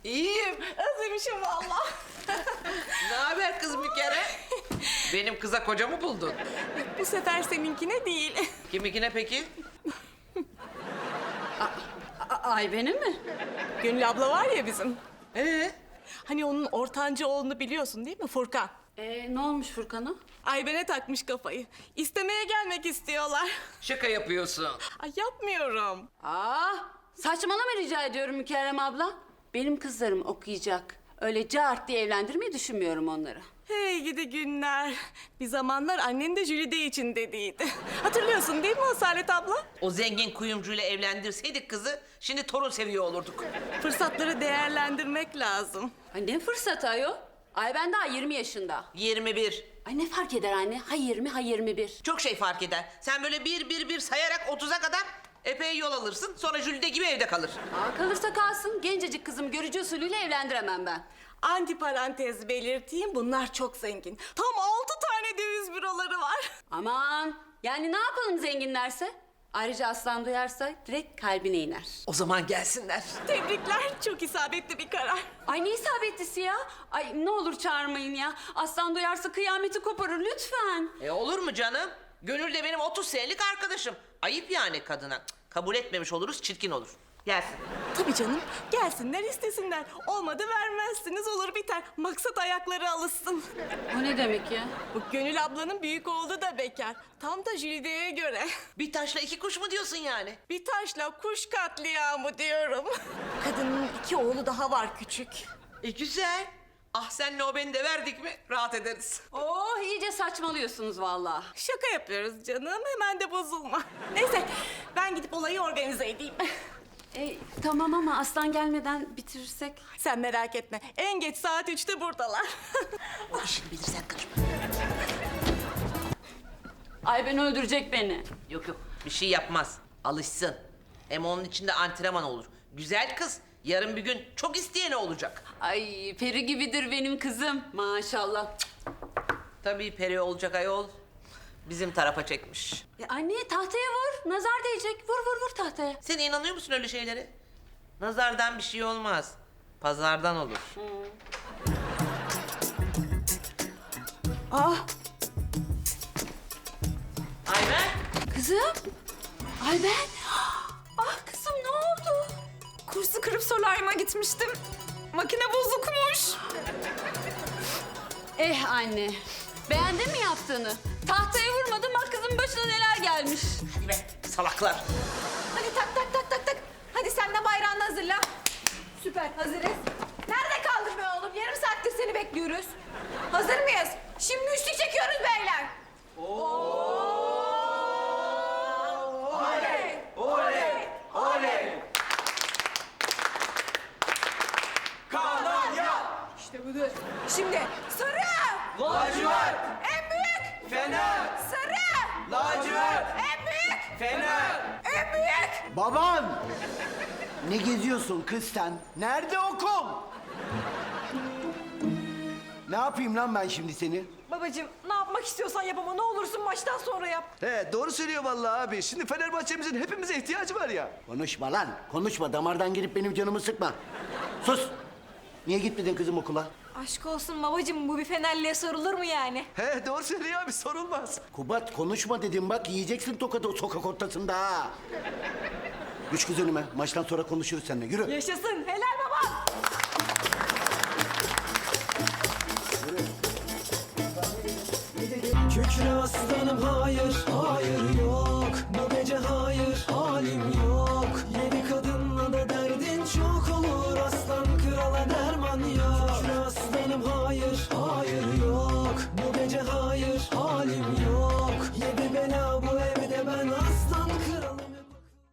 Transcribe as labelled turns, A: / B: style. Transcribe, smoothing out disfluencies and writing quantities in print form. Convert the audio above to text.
A: İyiyim.
B: Özlemişim valla.
A: Ne haber kız Mükere? Benim kıza koca mı buldun?
B: Bu sefer seninkine değil.
A: Kiminkine peki?
C: Ay benim mi?
B: Gönül abla var ya bizim.
A: Ee?
B: Hani onun ortanca oğlunu biliyorsun değil mi Furkan?
C: Ne olmuş Furkan'a?
B: Ayben'e takmış kafayı. İstemeye gelmek istiyorlar.
A: Şaka yapıyorsun.
B: Ay yapmıyorum.
C: Saçmalama rica ediyorum Mükerrem abla. Benim kızlarım okuyacak. Öyle cart diye evlendirmeyi düşünmüyorum onları.
B: Hey gidi günler. Bir zamanlar annen de Jülide için dediydi. Hatırlıyorsun değil mi Asalet abla?
A: O zengin kuyumcuyla evlendirseydik kızı, şimdi torun seviyor olurduk.
B: Fırsatları değerlendirmek lazım.
C: Ay ne fırsat ayol? Ay ben daha 20 yaşında.
A: 21.
C: Ay ne fark eder anne? Ha 20 ha 21.
A: Çok şey fark eder. Sen böyle bir sayarak 30'a kadar epey yol alırsın. Sonra Jülide gibi evde kalır.
C: Kalırsa kalsın. Gencecik kızımı görücü usulüyle evlendiremem ben.
B: Antiparantez belirteyim, bunlar çok zengin. Tam 6 tane döviz büroları var.
C: Aman yani ne yapalım zenginlerse? Ayrıca aslan duyarsa direkt kalbine iner.
A: O zaman gelsinler.
B: Tebrikler, çok isabetli bir karar.
C: Ay ne isabetlisi ya? Ay ne olur çağırmayın ya. Aslan duyarsa kıyameti koparır lütfen.
A: Olur mu canım? Gönül de benim 30 senelik arkadaşım. Ayıp yani kadına. Cık, kabul etmemiş oluruz, çirkin olur. Gelsin.
B: Tabii canım, gelsinler istesinler. Olmadı vermezsiniz, olur biter. Maksat ayakları alışsın.
C: O ne demek ya?
B: Bu Gönül ablanın büyük oğlu da bekar. Tam da Jülide'ye göre.
A: Bir taşla iki kuş mu diyorsun yani?
B: Bir taşla kuş katliamı diyorum. Kadının 2 oğlu daha var küçük.
A: Güzel. Ah senle o beni de verdik mi rahat ederiz.
C: Oh iyice saçmalıyorsunuz vallahi.
B: Şaka yapıyoruz canım, hemen de bozulma. Neyse, ben gidip olayı organize edeyim.
C: Tamam ama aslan gelmeden bitirirsek.
B: Sen merak etme, en geç saat 3'te buradalar.
A: O işini bilirsen karışma.
C: Ay ben öldürecek beni.
A: Yok bir şey yapmaz. Alışsın. Hem onun içinde antrenman olur. Güzel kız. Yarın bir gün çok isteyeni olacak.
C: Ay peri gibidir benim kızım maşallah.
A: Tabii peri olacak ayol. Bizim tarafa çekmiş.
C: Anne tahtaya vur nazar değecek. Vur tahtaya.
A: Sen inanıyor musun öyle şeylere? Nazardan bir şey olmaz. Pazardan olur. Ayben.
C: Kızım. Ay ben. Ah kızım ne oldu?
D: Kursu kırıp solaryuma gitmiştim. Makine bozukmuş.
C: Anne. Beğendin mi yaptığını? Tahtaya vurmadın bak kızın başına neler gelmiş.
A: Hadi be salaklar.
D: Hadi tak. Hadi sen de bayrağını hazırla. Süper hazırız. Nerede kaldın be oğlum? Yarım saattir seni bekliyoruz. Hazır mıyız? Şimdi üçlük çekiyoruz beyler. İşte budur. Şimdi sarı.
E: Lacivert,
D: En büyük.
E: fener,
D: Sarı.
E: lacivert,
D: En büyük.
E: fener.
D: En büyük.
F: Baban! Ne geziyorsun kız sen? Nerede okum? Ne yapayım lan ben şimdi seni?
D: Babacığım ne yapmak istiyorsan yap ama ne olursun maçtan sonra yap.
E: He doğru söylüyor vallahi abi. Şimdi Fenerbahçe'mizin hepimize ihtiyacı var ya.
F: Konuşma lan, konuşma. Damardan girip benim canımı sıkma. Sus! Niye gitmedin kızım okula?
D: Aşk olsun babacığım bu bir Fenerli'ye sorulur mu yani?
E: He doğru söylüyor abi sorulmaz.
F: Kubat konuşma dedim bak, yiyeceksin tokadı o sokak ortasında ha. Üç kız önüme, maçtan sonra konuşuruz seninle. Yürü.
D: Yaşasın helal baba.
G: Kükre aslanım hayır, hayır yok. Bu gece hayır, halim yok.